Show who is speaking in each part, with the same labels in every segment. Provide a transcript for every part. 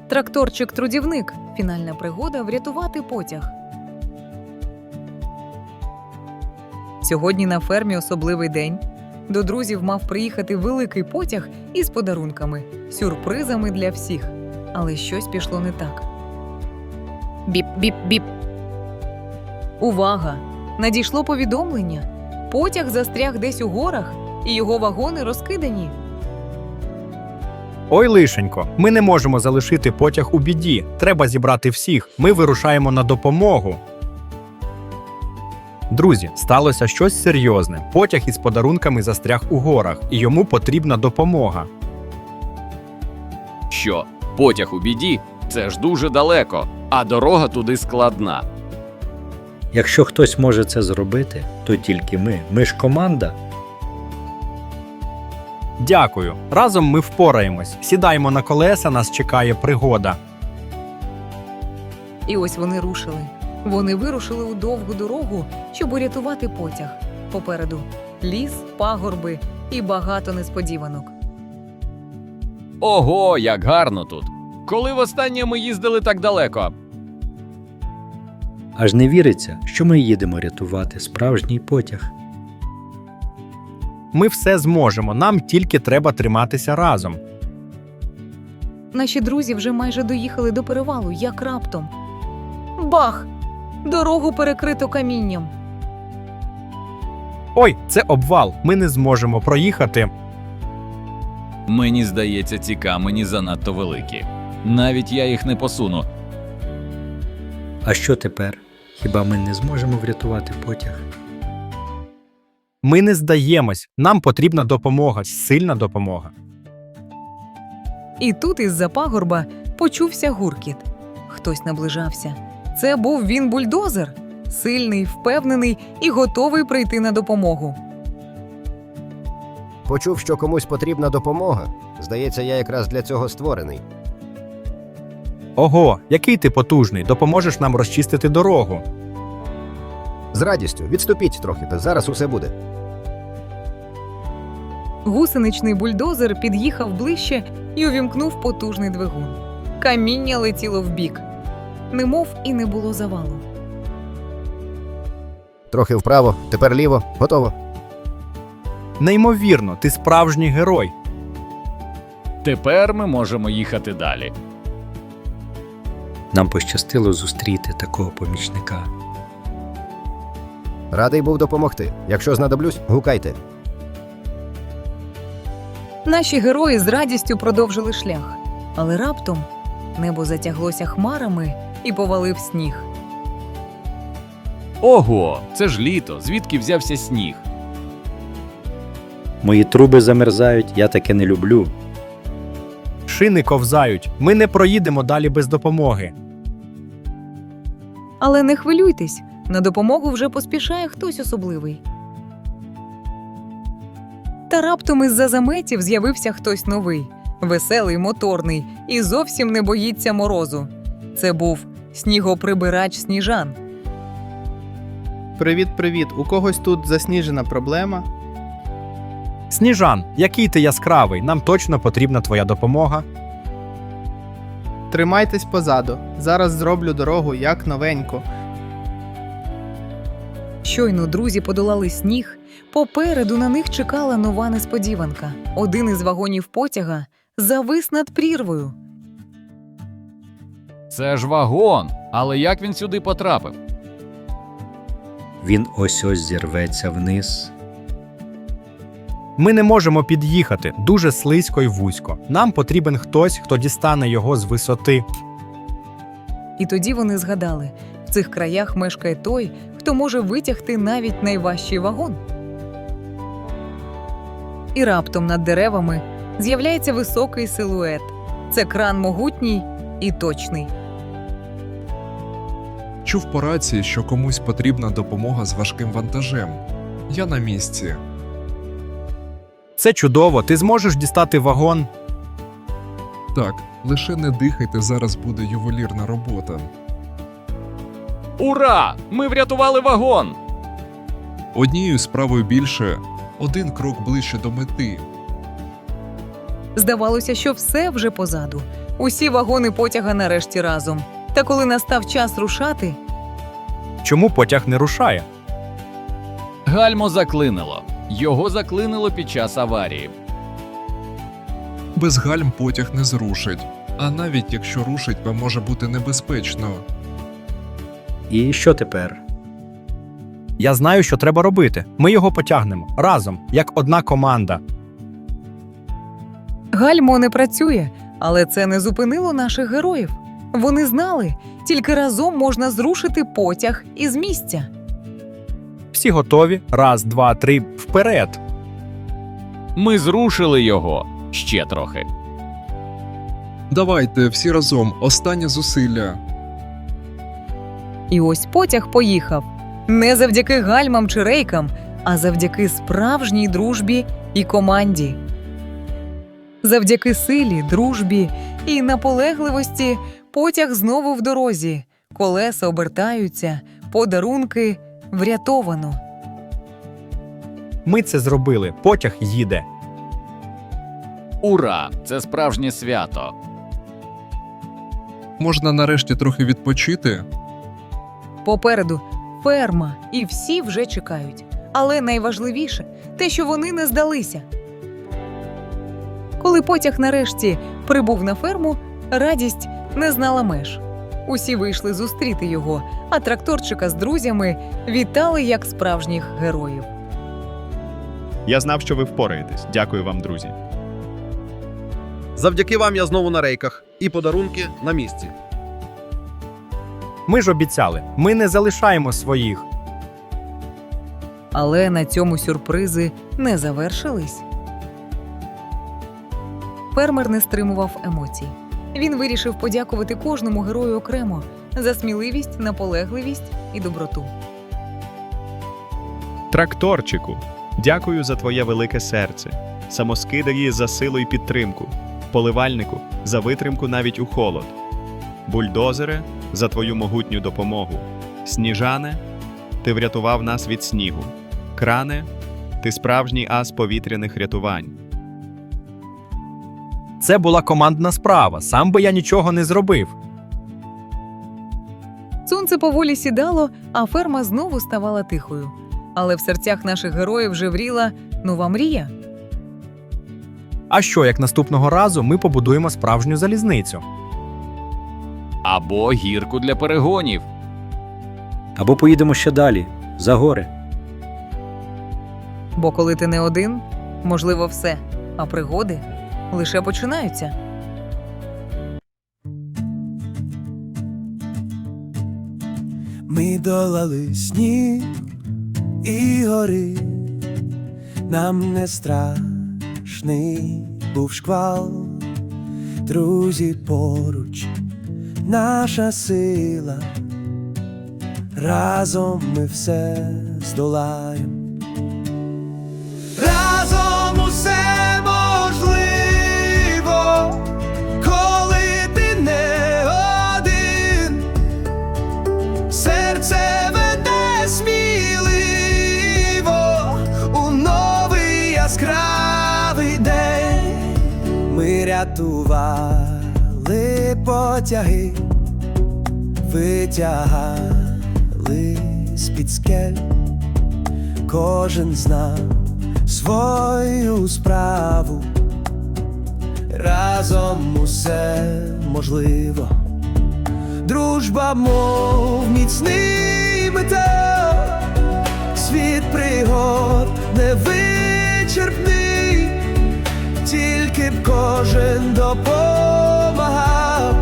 Speaker 1: Тракторчик-трудівник. Фінальна пригода – врятувати потяг. Сьогодні на фермі особливий день. До друзів мав приїхати великий потяг із подарунками, сюрпризами для всіх. Але щось пішло не так. Біп-біп-біп. Увага! Надійшло повідомлення. Потяг застряг десь у горах, і його вагони розкидані.
Speaker 2: Ой, лишенько, ми не можемо залишити потяг у біді. Треба зібрати всіх. Ми вирушаємо на допомогу. Друзі, сталося щось серйозне. Потяг із подарунками застряг у горах, і йому потрібна допомога.
Speaker 3: Що? Потяг у біді? Це ж дуже далеко, а дорога туди складна.
Speaker 4: Якщо хтось може це зробити, то тільки ми. Ми ж команда.
Speaker 2: Дякую. Разом ми впораємось. Сідаємо на колеса, нас чекає пригода.
Speaker 1: І ось вони рушили. Вони вирушили у довгу дорогу, щоб урятувати потяг. Попереду ліс, пагорби і багато несподіванок.
Speaker 3: Ого, як гарно тут! Коли востаннє ми їздили так далеко?
Speaker 4: Аж не віриться, що ми їдемо рятувати справжній потяг.
Speaker 2: Ми все зможемо, нам тільки треба триматися разом.
Speaker 1: Наші друзі вже майже доїхали до перевалу, як раптом. Бах! Дорогу перекрито камінням.
Speaker 2: Ой, це обвал, ми не зможемо проїхати.
Speaker 3: Мені здається, ці камені занадто великі. Навіть я їх не посуну.
Speaker 4: А що тепер? Хіба ми не зможемо врятувати потяг?
Speaker 2: Ми не здаємось, нам потрібна допомога, сильна допомога.
Speaker 1: І тут із-за пагорба почувся гуркіт. Хтось наближався. Це був він бульдозер. Сильний, впевнений і готовий прийти на допомогу.
Speaker 5: Почув, що комусь потрібна допомога. Здається, я якраз для цього створений.
Speaker 2: Ого, який ти потужний, допоможеш нам розчистити дорогу.
Speaker 5: З радістю. Відступіть трохи, та зараз усе буде.
Speaker 1: Гусеничний бульдозер під'їхав ближче і увімкнув потужний двигун. Каміння летіло вбік. Немов і не було завалу.
Speaker 5: Трохи вправо, тепер ліво. Готово.
Speaker 2: Неймовірно, ти справжній герой.
Speaker 3: Тепер ми можемо їхати далі.
Speaker 4: Нам пощастило зустріти такого помічника.
Speaker 5: Радий був допомогти. Якщо знадоблюсь, гукайте.
Speaker 1: Наші герої з радістю продовжили шлях. Але раптом небо затяглося хмарами і повалив сніг.
Speaker 3: Ого, це ж літо, звідки взявся сніг?
Speaker 4: Мої труби замерзають, я таке не люблю.
Speaker 2: Шини ковзають, ми не проїдемо далі без допомоги.
Speaker 1: Але не хвилюйтесь, на допомогу вже поспішає хтось особливий. Та раптом із-за заметів з'явився хтось новий, веселий, моторний і зовсім не боїться морозу. Це був снігоприбирач Сніжан.
Speaker 6: Привіт-привіт, у когось тут засніжена проблема?
Speaker 2: Сніжан, який ти яскравий, нам точно потрібна твоя допомога.
Speaker 6: Тримайтесь позаду, зараз зроблю дорогу як новеньку.
Speaker 1: Щойно друзі подолали сніг, попереду на них чекала нова несподіванка. Один із вагонів потяга завис над прірвою.
Speaker 3: Це ж вагон, але як він сюди потрапив?
Speaker 4: Він ось-ось зірветься вниз.
Speaker 2: Ми не можемо під'їхати, дуже слизько й вузько. Нам потрібен хтось, хто дістане його з висоти.
Speaker 1: І тоді вони згадали, в цих краях мешкає той, хто може витягти навіть найважчий вагон. І раптом над деревами з'являється високий силует. Це кран могутній і точний.
Speaker 7: Чув по рації, що комусь потрібна допомога з важким вантажем. Я на місці.
Speaker 2: Це чудово, ти зможеш дістати вагон.
Speaker 7: Так, лише не дихайте, зараз буде ювелірна робота.
Speaker 3: Ура! Ми врятували вагон!
Speaker 7: Однією справою більше, один крок ближче до мети.
Speaker 1: Здавалося, що все вже позаду. Усі вагони потяга нарешті разом. Та коли настав час рушати,
Speaker 2: Чому потяг не рушає?
Speaker 3: Гальмо заклинило. Його заклинило під час аварії.
Speaker 7: Без гальм потяг не зрушить. А навіть якщо рушить, то може бути небезпечно.
Speaker 4: І що тепер?
Speaker 2: Я знаю, що треба робити. Ми його потягнемо разом, як одна команда.
Speaker 1: гальмо не працює, але це не зупинило наших героїв. Вони знали, тільки разом можна зрушити потяг із місця.
Speaker 2: Всі готові? Раз, два, три, вперед!
Speaker 3: Ми зрушили його ще трохи.
Speaker 7: Давайте всі разом, останнє зусилля.
Speaker 1: І ось потяг поїхав. Не завдяки гальмам чи рейкам, а завдяки справжній дружбі і команді. Завдяки силі, дружбі і наполегливості потяг знову в дорозі. Колеса обертаються, подарунки врятовано.
Speaker 2: Ми це зробили. Потяг їде.
Speaker 3: Ура! Це справжнє свято.
Speaker 7: Можна нарешті трохи відпочити?
Speaker 1: Попереду ферма, і всі вже чекають. Але найважливіше – те, що вони не здалися. Коли потяг нарешті прибув на ферму, радість не знала меж. Усі вийшли зустріти його, а тракторчика з друзями вітали як справжніх героїв.
Speaker 8: Я знав, що ви впораєтесь. Дякую вам, друзі.
Speaker 9: Завдяки вам я знову на рейках. І подарунки на місці.
Speaker 2: Ми ж обіцяли, ми не залишаємо своїх.
Speaker 1: Але на цьому сюрпризи не завершились. Фермер не стримував емоцій. Він вирішив подякувати кожному герою окремо за сміливість, наполегливість і доброту.
Speaker 8: Тракторчику, дякую за твоє велике серце. Самоскидарі за силу і підтримку. Поливальнику за витримку навіть у холод. Бульдозере за твою могутню допомогу. Сніжане, ти врятував нас від снігу. Кране, ти справжній ас повітряних рятувань.
Speaker 2: Це була командна справа, сам би я нічого не зробив.
Speaker 1: Сонце поволі сідало, а ферма знову ставала тихою. Але в серцях наших героїв вже вріла нова мрія.
Speaker 2: А що, як наступного разу ми побудуємо справжню залізницю?
Speaker 3: Або гірку для перегонів.
Speaker 4: Або поїдемо ще далі, за гори.
Speaker 1: Бо коли ти не один, можливо все, а пригоди лише починаються.
Speaker 10: Ми долали сніг і гори, нам не страшний був шквал, друзі поруч, наша сила, разом ми все здолаєм. Разом усе можливо, коли ти не один. Серце веде сміливо у новий яскравий день. Ми рятували потяги, витягали з-під скель. Кожен знав свою справу, разом усе можливо. Дружба, мов міцний метал, світ пригод невичерпний, тільки б кожен допомагав.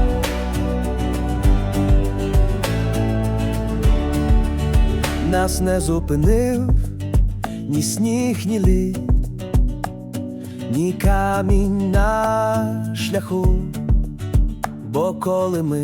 Speaker 10: Нас не зупинив ні сніг, ні лід, ні камінь на шляху. Бо коли ми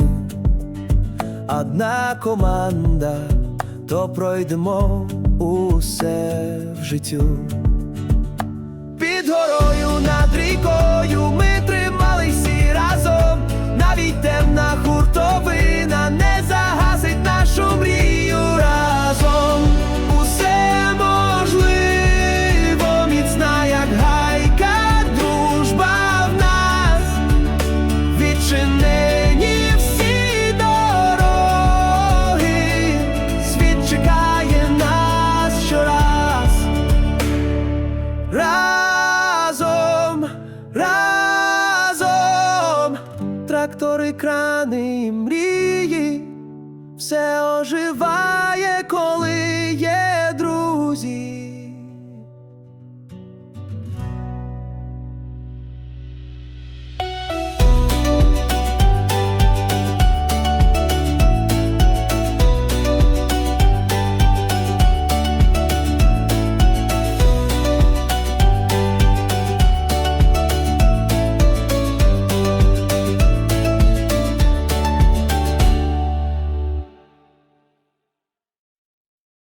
Speaker 10: одна команда, то пройдемо усе в життю. Під горою, над рікою ми тримались всі разом. Навіть темна хуртовина не загасить нашу мрію. Разом усе можливо, міцна як гайка, дружба в нас. крани і мрії, все оживає.